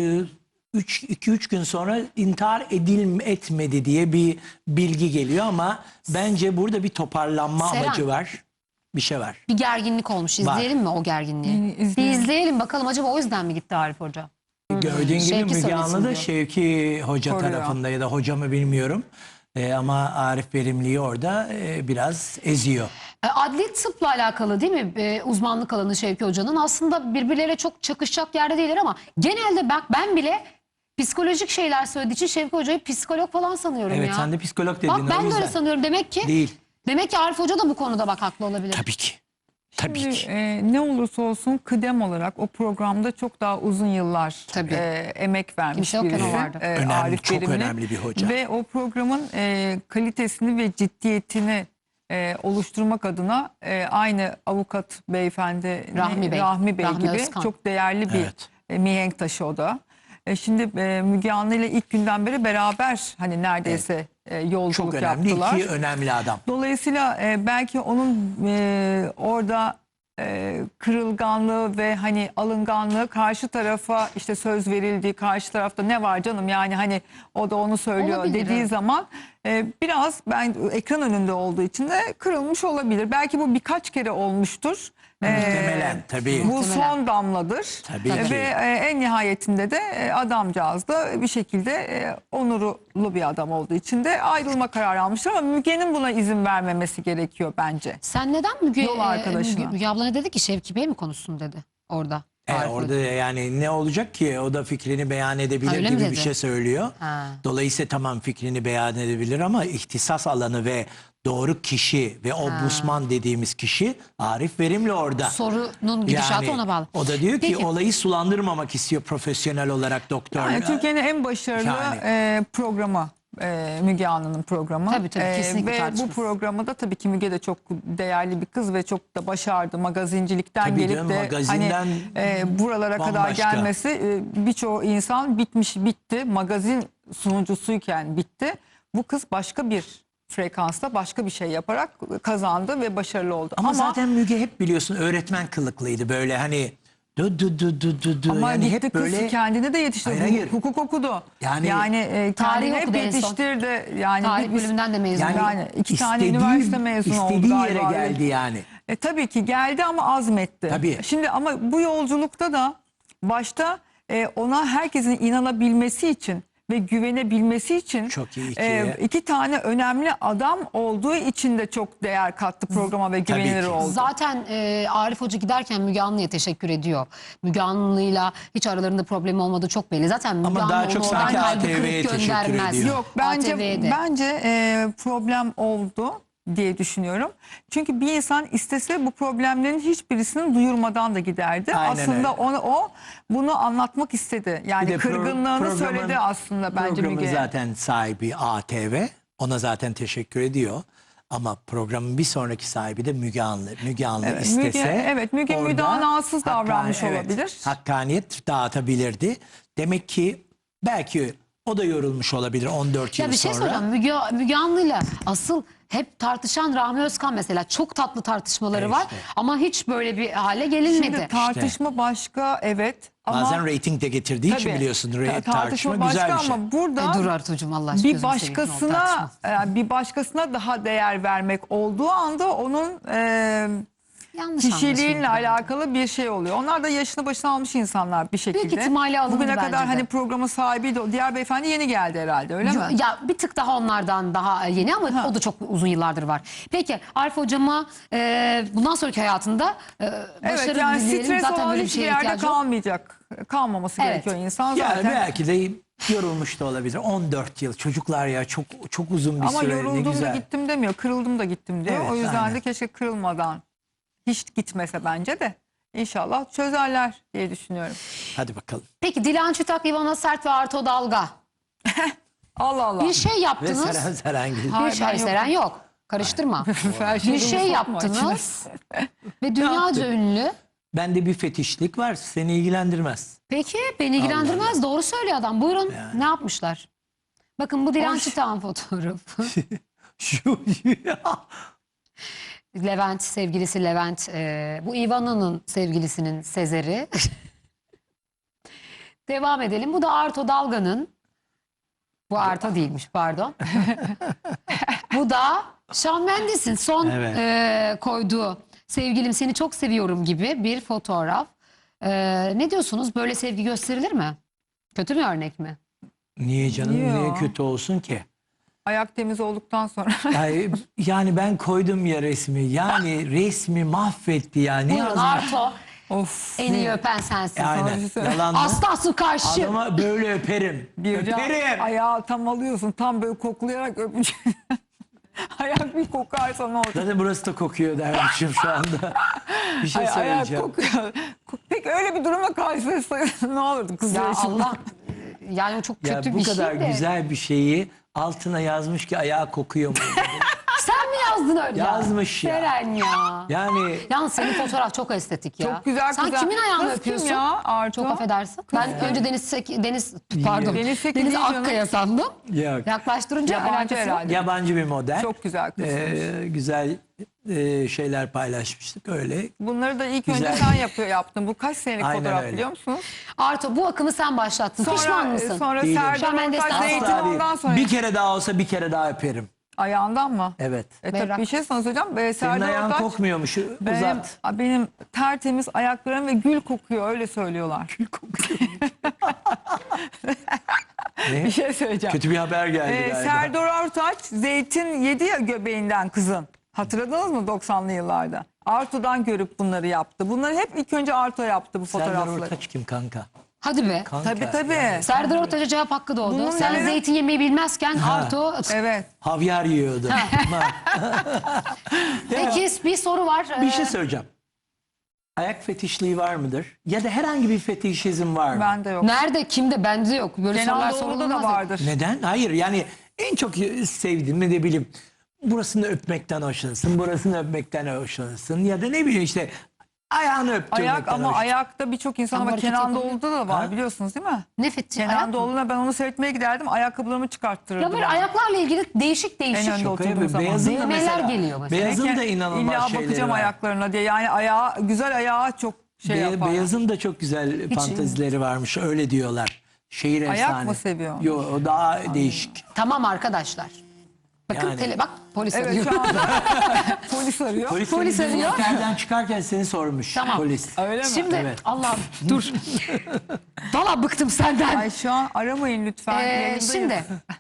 [SPEAKER 2] iki üç gün sonra intihar edil etmedi diye bir bilgi geliyor ama bence burada bir toparlanma
[SPEAKER 1] Seren.
[SPEAKER 2] amacı var. Bir şey var.
[SPEAKER 1] Bir gerginlik olmuş. İzleyelim mi o gerginliği?
[SPEAKER 3] Yani
[SPEAKER 1] Bir
[SPEAKER 3] izleyelim.
[SPEAKER 1] izleyelim bakalım, acaba o yüzden mi gitti Arif Hoca?
[SPEAKER 2] Gördüğün gibi
[SPEAKER 1] Şevki
[SPEAKER 2] Müge
[SPEAKER 1] söylesin
[SPEAKER 2] Anlı da
[SPEAKER 1] diyor.
[SPEAKER 2] Şevki Hoca
[SPEAKER 3] Koruyor.
[SPEAKER 2] tarafında ya da hoca mı bilmiyorum. E, ama Arif Verimli'yi orada e, biraz eziyor.
[SPEAKER 1] E, Adli tıpla alakalı değil mi? E, uzmanlık alanı Şevki Hoca'nın. Aslında birbirleriyle çok çakışacak yerde değiller ama genelde bak ben bile psikolojik şeyler söylediği için Şevki Hoca'yı psikolog falan sanıyorum
[SPEAKER 2] Evet
[SPEAKER 1] ya.
[SPEAKER 2] sen de psikolog dedin.
[SPEAKER 1] Bak
[SPEAKER 2] o
[SPEAKER 1] ben de
[SPEAKER 2] yüzden.
[SPEAKER 1] öyle sanıyorum. Demek ki
[SPEAKER 2] Değil.
[SPEAKER 1] demek ki Arif Hoca da bu konuda bak haklı olabilir.
[SPEAKER 2] Tabii ki. Tabii
[SPEAKER 3] Şimdi,
[SPEAKER 2] ki.
[SPEAKER 3] e, ne olursa olsun kıdem olarak o programda çok daha uzun yıllar
[SPEAKER 1] Tabii.
[SPEAKER 3] e, emek vermiş
[SPEAKER 1] Kimse yokken
[SPEAKER 3] birisi.
[SPEAKER 1] o vardı.
[SPEAKER 3] e,
[SPEAKER 2] Önemli,
[SPEAKER 3] Arif
[SPEAKER 2] çok
[SPEAKER 3] Verimli.
[SPEAKER 2] önemli bir hoca.
[SPEAKER 3] Ve o programın e, kalitesini ve ciddiyetini e, oluşturmak adına e, aynı avukat beyefendi
[SPEAKER 1] Rahmi Bey.
[SPEAKER 3] Rahmi Bey
[SPEAKER 1] Rahmi
[SPEAKER 3] gibi
[SPEAKER 1] Özkan.
[SPEAKER 3] çok değerli bir
[SPEAKER 2] Evet.
[SPEAKER 3] e, mihenk taşı o da. E, şimdi e, Müge Anlı ile ilk günden beri beraber hani neredeyse e, yolculuk
[SPEAKER 2] Çok önemli.
[SPEAKER 3] yaptılar.
[SPEAKER 2] İki önemli adam.
[SPEAKER 3] Dolayısıyla e, belki onun e, orada e, kırılganlığı ve hani alınganlığı karşı tarafa işte söz verildiği, karşı tarafta ne var canım yani hani o da onu söylüyor
[SPEAKER 1] Olabilir,
[SPEAKER 3] dediği
[SPEAKER 1] evet.
[SPEAKER 3] zaman e, biraz ben ekran önünde olduğu için de kırılmış olabilir. Belki bu birkaç kere olmuştur. E,
[SPEAKER 2] Muhtemelen, tabii.
[SPEAKER 3] Bu
[SPEAKER 1] Muhtemelen.
[SPEAKER 3] son damladır.
[SPEAKER 2] Tabii
[SPEAKER 3] E,
[SPEAKER 2] ki.
[SPEAKER 3] Ve e, en nihayetinde de e, adamcağız da bir şekilde e, onurlu bir adam olduğu için de ayrılma kararı almıştır ama Müge'nin buna izin vermemesi gerekiyor bence.
[SPEAKER 1] Sen neden Müge,
[SPEAKER 3] Yol
[SPEAKER 1] e,
[SPEAKER 3] arkadaşına.
[SPEAKER 1] Müge, Müge abla ne dedi ki Şevki Bey mi konuşsun dedi orada.
[SPEAKER 2] E,
[SPEAKER 1] Arif
[SPEAKER 2] orada
[SPEAKER 1] Hoca.
[SPEAKER 2] yani ne olacak ki? O da fikrini beyan edebilir
[SPEAKER 1] Öyle mi
[SPEAKER 2] gibi bir
[SPEAKER 1] dedi?
[SPEAKER 2] şey söylüyor.
[SPEAKER 1] Ha.
[SPEAKER 2] Dolayısıyla tamam fikrini beyan edebilir ama ihtisas alanı ve doğru kişi ve o busman dediğimiz kişi Arif Verimli orada.
[SPEAKER 1] Sorunun gidişatı ona bağlı.
[SPEAKER 2] O da diyor ki
[SPEAKER 1] Peki.
[SPEAKER 2] olayı sulandırmamak istiyor profesyonel olarak doktor.
[SPEAKER 3] Yani Türkiye'nin en başarılı
[SPEAKER 2] Yani.
[SPEAKER 3] e, programı e, Müge Anlı'nın programı.
[SPEAKER 1] Tabii, tabii, kesinlikle
[SPEAKER 3] Ve bu
[SPEAKER 1] tartışmasız.
[SPEAKER 3] programı da tabii ki Müge de çok değerli bir kız ve çok da başardı. Magazincilikten
[SPEAKER 2] Tabii
[SPEAKER 3] gelip
[SPEAKER 2] canım,
[SPEAKER 3] de
[SPEAKER 2] magazinden
[SPEAKER 3] hani e, buralara kadar
[SPEAKER 2] bambaşka.
[SPEAKER 3] gelmesi e, birçoğu insan bitmiş bitti. Magazin sunucusuyken bitti. Bu kız başka bir frekansta başka bir şey yaparak kazandı ve başarılı oldu.
[SPEAKER 2] Ama, zaten Müge hep biliyorsun öğretmen kılıklıydı böyle hani du du du du du du
[SPEAKER 3] Ama
[SPEAKER 2] yani
[SPEAKER 3] gitti
[SPEAKER 2] hep
[SPEAKER 3] kız
[SPEAKER 2] böyle
[SPEAKER 3] kendini de yetiştirdi.
[SPEAKER 2] Hayır, hayır.
[SPEAKER 3] Hukuk okudu.
[SPEAKER 2] Yani-
[SPEAKER 3] Yani, e,
[SPEAKER 1] Tarih
[SPEAKER 3] kendini hep
[SPEAKER 1] okudu en son.
[SPEAKER 3] yetiştirdi. Yani
[SPEAKER 1] Tarih
[SPEAKER 3] biz-
[SPEAKER 1] bölümünden de mezun
[SPEAKER 2] yani,
[SPEAKER 1] oldu.
[SPEAKER 3] Yani iki tane
[SPEAKER 2] istediği-
[SPEAKER 3] üniversite mezunu oldu
[SPEAKER 2] istediği
[SPEAKER 3] galiba.
[SPEAKER 2] yere geldi yani.
[SPEAKER 3] E, tabii ki geldi ama azmetti.
[SPEAKER 2] Tabii.
[SPEAKER 3] Şimdi ama bu yolculukta da başta e, ona herkesin inanabilmesi için ve güvenebilmesi için
[SPEAKER 2] Çok iyi ki.
[SPEAKER 3] e, iki tane önemli adam olduğu için de çok değer kattı programa ve
[SPEAKER 2] Tabii
[SPEAKER 3] güvenilir
[SPEAKER 2] ki.
[SPEAKER 3] oldu.
[SPEAKER 1] Zaten e, Arif Hoca giderken Müge Anlı'ya teşekkür ediyor. Müge Anlı'yla hiç aralarında problem olmadığı çok belli. Zaten Müge
[SPEAKER 2] Ama
[SPEAKER 1] Anlı
[SPEAKER 2] daha
[SPEAKER 1] onu
[SPEAKER 2] çok
[SPEAKER 1] oradan
[SPEAKER 2] sanki
[SPEAKER 1] kalbi
[SPEAKER 2] A T V'ye
[SPEAKER 1] kırık
[SPEAKER 2] teşekkür
[SPEAKER 1] göndermez.
[SPEAKER 2] ediyor.
[SPEAKER 3] Yok bence
[SPEAKER 1] A T V'de.
[SPEAKER 3] bence e, problem oldu diye düşünüyorum. Çünkü bir insan istese bu problemlerin hiçbirisini duyurmadan da giderdi.
[SPEAKER 2] Aynen
[SPEAKER 3] aslında
[SPEAKER 2] öyle.
[SPEAKER 3] onu o bunu anlatmak istedi. Yani
[SPEAKER 2] Bir de pro-
[SPEAKER 3] kırgınlığını
[SPEAKER 2] programın-
[SPEAKER 3] söyledi aslında bence
[SPEAKER 2] Programın
[SPEAKER 3] Müge.
[SPEAKER 2] zaten sahibi A T V. Ona zaten teşekkür ediyor. Ama programın bir sonraki sahibi de Müge Anlı. Müge Anlı
[SPEAKER 3] Evet,
[SPEAKER 2] istese
[SPEAKER 3] Müge- evet, Müge
[SPEAKER 2] orada
[SPEAKER 3] müdanasız davranmış
[SPEAKER 2] hakkan- evet,
[SPEAKER 3] olabilir.
[SPEAKER 2] Hakkaniyet dağıtabilirdi. Demek ki belki o da yorulmuş olabilir on dört
[SPEAKER 1] Ya
[SPEAKER 2] yıl
[SPEAKER 1] bir şey
[SPEAKER 2] sonra.
[SPEAKER 1] söyleyeceğim. Müge, Müge Anlı'yla asıl hep tartışan Rahmi Özkan mesela. Çok tatlı tartışmaları
[SPEAKER 2] E
[SPEAKER 1] var.
[SPEAKER 2] işte.
[SPEAKER 1] Ama hiç böyle bir hale gelinmedi.
[SPEAKER 3] Şimdi tartışma başka evet ama
[SPEAKER 2] Bazen reyting de getirdiği için
[SPEAKER 3] Tabii.
[SPEAKER 2] biliyorsun.
[SPEAKER 3] Ta-
[SPEAKER 2] Re- tartışma
[SPEAKER 3] başka
[SPEAKER 2] güzel bir şey.
[SPEAKER 3] ama burada
[SPEAKER 1] E, dur Artucuğum Allah aşkına.
[SPEAKER 3] bir
[SPEAKER 1] gözünü seveyim, ne oldu,
[SPEAKER 3] başkasına
[SPEAKER 1] tartışma.
[SPEAKER 3] e, bir başkasına daha değer vermek olduğu anda onun e,
[SPEAKER 1] Yanlış
[SPEAKER 3] kişiliğinle
[SPEAKER 1] anlaşıldı.
[SPEAKER 3] alakalı bir şey oluyor. Onlar da yaşını başına almış insanlar bir şekilde.
[SPEAKER 1] Büyük ihtimalle alındı
[SPEAKER 3] Bugüne
[SPEAKER 1] bence
[SPEAKER 3] kadar
[SPEAKER 1] de.
[SPEAKER 3] hani programın sahibiydi. O diğer beyefendi yeni geldi herhalde öyle mi?
[SPEAKER 1] Ya bir tık daha onlardan daha yeni ama o da çok uzun yıllardır var. Peki Arif hocama e, bundan sonraki hayatında e, başarı
[SPEAKER 3] Evet yani
[SPEAKER 1] dileyelim.
[SPEAKER 3] stres
[SPEAKER 1] Zaten
[SPEAKER 3] olan
[SPEAKER 1] böyle bir
[SPEAKER 3] hiçbir
[SPEAKER 1] şeye
[SPEAKER 3] yerde
[SPEAKER 1] ihtiyacı yok.
[SPEAKER 3] kalmayacak. Kalmaması
[SPEAKER 1] Evet.
[SPEAKER 3] gerekiyor insan
[SPEAKER 2] Yani
[SPEAKER 3] zaten.
[SPEAKER 2] belki de yorulmuş da olabilir. on dört yıl çocuklar ya çok çok uzun bir
[SPEAKER 3] Ama
[SPEAKER 2] süre ne
[SPEAKER 3] yoruldum da
[SPEAKER 2] güzel.
[SPEAKER 3] gittim demiyor. Kırıldım da gittim diyor.
[SPEAKER 2] Evet,
[SPEAKER 3] o yüzden
[SPEAKER 2] aynen.
[SPEAKER 3] de keşke kırılmadan hiç gitmese bence de. İnşallah çözerler diye düşünüyorum.
[SPEAKER 2] Hadi bakalım.
[SPEAKER 1] Peki Dilan Çütak, İvana Sert ve Arto Dalga.
[SPEAKER 3] Allah Allah.
[SPEAKER 1] Bir şey
[SPEAKER 2] Ve
[SPEAKER 1] yaptınız.
[SPEAKER 2] Seren Serengil.
[SPEAKER 3] Hayır,
[SPEAKER 1] Bir şey
[SPEAKER 3] ben yokum.
[SPEAKER 1] Seren yok. Karıştırma.
[SPEAKER 3] Her şeyi
[SPEAKER 1] Bir şey
[SPEAKER 3] sokma
[SPEAKER 1] yaptınız. Ve dünyaca ünlü.
[SPEAKER 2] Bende bir fetişlik var. Seni ilgilendirmez.
[SPEAKER 1] Peki beni ilgilendirmez. Doğru söylüyor adam. Buyurun. Ne yapmışlar? Bakın bu Dilan
[SPEAKER 3] Hoş.
[SPEAKER 1] Çütak'ın fotoğrafı.
[SPEAKER 2] Şu
[SPEAKER 1] Levent, sevgilisi Levent. e, bu Ivana'nın sevgilisinin Sezer'i. Devam edelim. Bu da Arto Dalga'nın. Bu Arto değilmiş, pardon. Bu da Shawn Mendes'in son
[SPEAKER 2] Evet.
[SPEAKER 1] e, koyduğu sevgilim seni çok seviyorum gibi bir fotoğraf. E, ne diyorsunuz? Böyle sevgi gösterilir mi? Kötü bir örnek mi?
[SPEAKER 2] Niye canım?
[SPEAKER 3] Niye
[SPEAKER 2] Niye
[SPEAKER 3] ya?
[SPEAKER 2] kötü olsun ki?
[SPEAKER 3] Ayak temiz olduktan sonra.
[SPEAKER 2] Yani, yani ben koydum ya resmi. Yani resmi mahvetti ya. Ne
[SPEAKER 1] Buyurun
[SPEAKER 2] yazmış?
[SPEAKER 1] Arto.
[SPEAKER 3] Of.
[SPEAKER 1] En iyi öpen sensin.
[SPEAKER 2] Aynen.
[SPEAKER 3] Sonra-
[SPEAKER 2] Yalan mı?
[SPEAKER 1] Asla karşı.
[SPEAKER 2] Adama böyle öperim.
[SPEAKER 3] Bircan,
[SPEAKER 2] öperim.
[SPEAKER 3] ayağı tam alıyorsun. Tam böyle koklayarak öpeceksin. Ayak bir kokarsa ne olur?
[SPEAKER 2] Zaten burası da kokuyor dermişim şu anda. Bir şey
[SPEAKER 3] Ay, ayak
[SPEAKER 2] söyleyeceğim.
[SPEAKER 3] kokuyor. Peki öyle bir duruma karşılaşsaydın ne olurdu kızlar
[SPEAKER 1] Ya
[SPEAKER 3] için?
[SPEAKER 1] Allah. Yani o çok
[SPEAKER 2] Ya
[SPEAKER 1] kötü
[SPEAKER 2] bu
[SPEAKER 1] bir
[SPEAKER 2] kadar
[SPEAKER 1] şey de.
[SPEAKER 2] güzel bir şeyi altına yazmış ki ayağı kokuyor mu?
[SPEAKER 1] Sen mi yazdın öyle?
[SPEAKER 2] Yazmış ya.
[SPEAKER 1] Seren ya.
[SPEAKER 2] Yani
[SPEAKER 1] Yalnız senin fotoğraf çok estetik ya.
[SPEAKER 3] Çok güzel
[SPEAKER 1] Sen
[SPEAKER 3] güzel.
[SPEAKER 1] kimin ayağını
[SPEAKER 3] Kız
[SPEAKER 1] öpüyorsun?
[SPEAKER 3] Kim ya Arto?
[SPEAKER 1] Çok affedersin. Ben önce Deniz Sek- Deniz pardon.
[SPEAKER 3] Deniz Seki
[SPEAKER 1] Deniz
[SPEAKER 3] değil canım.
[SPEAKER 1] Akkaya sandım.
[SPEAKER 2] yok.
[SPEAKER 1] Yaklaştırınca
[SPEAKER 3] Yabancı
[SPEAKER 1] alakası yok.
[SPEAKER 3] herhalde.
[SPEAKER 2] Yabancı bir model.
[SPEAKER 3] Çok güzel kız.
[SPEAKER 2] Ee, güzel e, şeyler paylaşmıştık öyle.
[SPEAKER 3] Bunları da ilk
[SPEAKER 2] Güzel.
[SPEAKER 3] önce sen yapıyor yaptın. Bu kaç senelik
[SPEAKER 2] Aynen
[SPEAKER 3] fotoğraf
[SPEAKER 2] öyle.
[SPEAKER 3] biliyor musunuz?
[SPEAKER 1] Arto bu akımı sen başlattın. Pişman
[SPEAKER 3] Sonra,
[SPEAKER 1] mısın?
[SPEAKER 3] sonra
[SPEAKER 2] Değilim.
[SPEAKER 3] Serdar
[SPEAKER 1] Shawn Mendes'ten
[SPEAKER 3] Ortaç zeytin
[SPEAKER 2] Asla değil.
[SPEAKER 3] ondan sonra.
[SPEAKER 2] Bir kere daha olsa bir kere daha öperim.
[SPEAKER 3] Ayağından mı?
[SPEAKER 2] Evet.
[SPEAKER 3] E
[SPEAKER 1] Berrak.
[SPEAKER 3] tabii bir şey sana söyleyeceğim. Ee,
[SPEAKER 2] Senin
[SPEAKER 3] Serdar
[SPEAKER 2] ayağın
[SPEAKER 3] Ortaç
[SPEAKER 2] kokmuyormuş.
[SPEAKER 3] benim,
[SPEAKER 2] Uzat.
[SPEAKER 3] benim tertemiz ayaklarım ve gül kokuyor öyle söylüyorlar.
[SPEAKER 2] Ne?
[SPEAKER 3] Bir şey söyleyeceğim.
[SPEAKER 2] Kötü bir haber geldi
[SPEAKER 3] Ee,
[SPEAKER 2] galiba.
[SPEAKER 3] Serdar Ortaç zeytin yedi ya göbeğinden kızın. Hatırladınız mı doksanlı yıllarda? Arto'dan görüp bunları yaptı. Bunları hep ilk önce Arto yaptı bu
[SPEAKER 2] Serdar
[SPEAKER 3] fotoğrafları.
[SPEAKER 2] Ortaç kim kanka?
[SPEAKER 1] Hadi be.
[SPEAKER 2] Kanka.
[SPEAKER 3] Tabii tabii.
[SPEAKER 1] Serdar Ortaç'a cevap hakkı doğdu.
[SPEAKER 3] Bunun
[SPEAKER 1] Sen
[SPEAKER 3] neleri-
[SPEAKER 1] zeytin yemeyi bilmezken Arto...
[SPEAKER 3] Evet.
[SPEAKER 2] Havyar yiyordu.
[SPEAKER 1] Peki bir soru var.
[SPEAKER 2] Bir
[SPEAKER 1] Ee,
[SPEAKER 2] şey söyleyeceğim. Ayak fetişliği var mıdır? Ya da herhangi bir fetişizm var mı?
[SPEAKER 3] Bende yok.
[SPEAKER 1] Nerede? Kimde? Bende yok. Böyle sorular
[SPEAKER 3] Kenan Doğulu'da
[SPEAKER 1] sorulmaz.
[SPEAKER 3] da vardır.
[SPEAKER 2] Neden? Hayır yani en çok sevdiğim ne de bileyim. Burasını öpmekten hoşlanırsın, burasını öpmekten hoşlanırsın ya da ne bileyim işte ayağını öptürmekten
[SPEAKER 3] Ayak ama
[SPEAKER 2] hoş-
[SPEAKER 3] ayakta birçok insan
[SPEAKER 1] Ama
[SPEAKER 3] ama
[SPEAKER 1] hareket
[SPEAKER 3] Kenan
[SPEAKER 1] yapamıyor.
[SPEAKER 3] Doğulu'da da var
[SPEAKER 2] Ha?
[SPEAKER 3] biliyorsunuz değil mi?
[SPEAKER 1] Ne fetişi? Ayak
[SPEAKER 3] Kenan
[SPEAKER 1] mı?
[SPEAKER 3] Doğulu'na ben onu seyretmeye giderdim. Ayakkabılarımı çıkarttırırdım.
[SPEAKER 1] Ya böyle ayaklarla ilgili değişik değişik.
[SPEAKER 3] En önde
[SPEAKER 2] Şaka
[SPEAKER 3] oturduğum
[SPEAKER 2] yapıyor.
[SPEAKER 3] zaman.
[SPEAKER 2] Beyazın da
[SPEAKER 1] Düğmeler
[SPEAKER 2] mesela.
[SPEAKER 1] geliyor mesela.
[SPEAKER 2] Beyazın da
[SPEAKER 3] İlla
[SPEAKER 2] inanılmaz şeyleri
[SPEAKER 3] bakacağım
[SPEAKER 2] var.
[SPEAKER 3] ayaklarına diye. Yani ayağı, güzel ayağı çok şey
[SPEAKER 2] Be-
[SPEAKER 3] yapar.
[SPEAKER 2] Beyazın da çok güzel fantezileri varmış öyle diyorlar. Şehir
[SPEAKER 3] Ayak
[SPEAKER 2] efsane.
[SPEAKER 3] mı seviyor?
[SPEAKER 2] Yok o daha değişik.
[SPEAKER 1] Tamam arkadaşlar. Bakın
[SPEAKER 2] Yani.
[SPEAKER 1] tele, bak polis
[SPEAKER 3] Evet
[SPEAKER 1] arıyor.
[SPEAKER 3] şu anda polis arıyor.
[SPEAKER 2] Polis,
[SPEAKER 1] Polis
[SPEAKER 2] seni
[SPEAKER 1] arıyor.
[SPEAKER 2] otelden çıkarken seni sormuş
[SPEAKER 1] Tamam.
[SPEAKER 2] polis.
[SPEAKER 3] Öyle mi?
[SPEAKER 1] Şimdi
[SPEAKER 2] Evet.
[SPEAKER 1] Allah'ım dur. Valla bıktım senden.
[SPEAKER 3] Ay şu an aramayın lütfen.
[SPEAKER 1] Ee,
[SPEAKER 3] yayındayım.
[SPEAKER 1] şimdi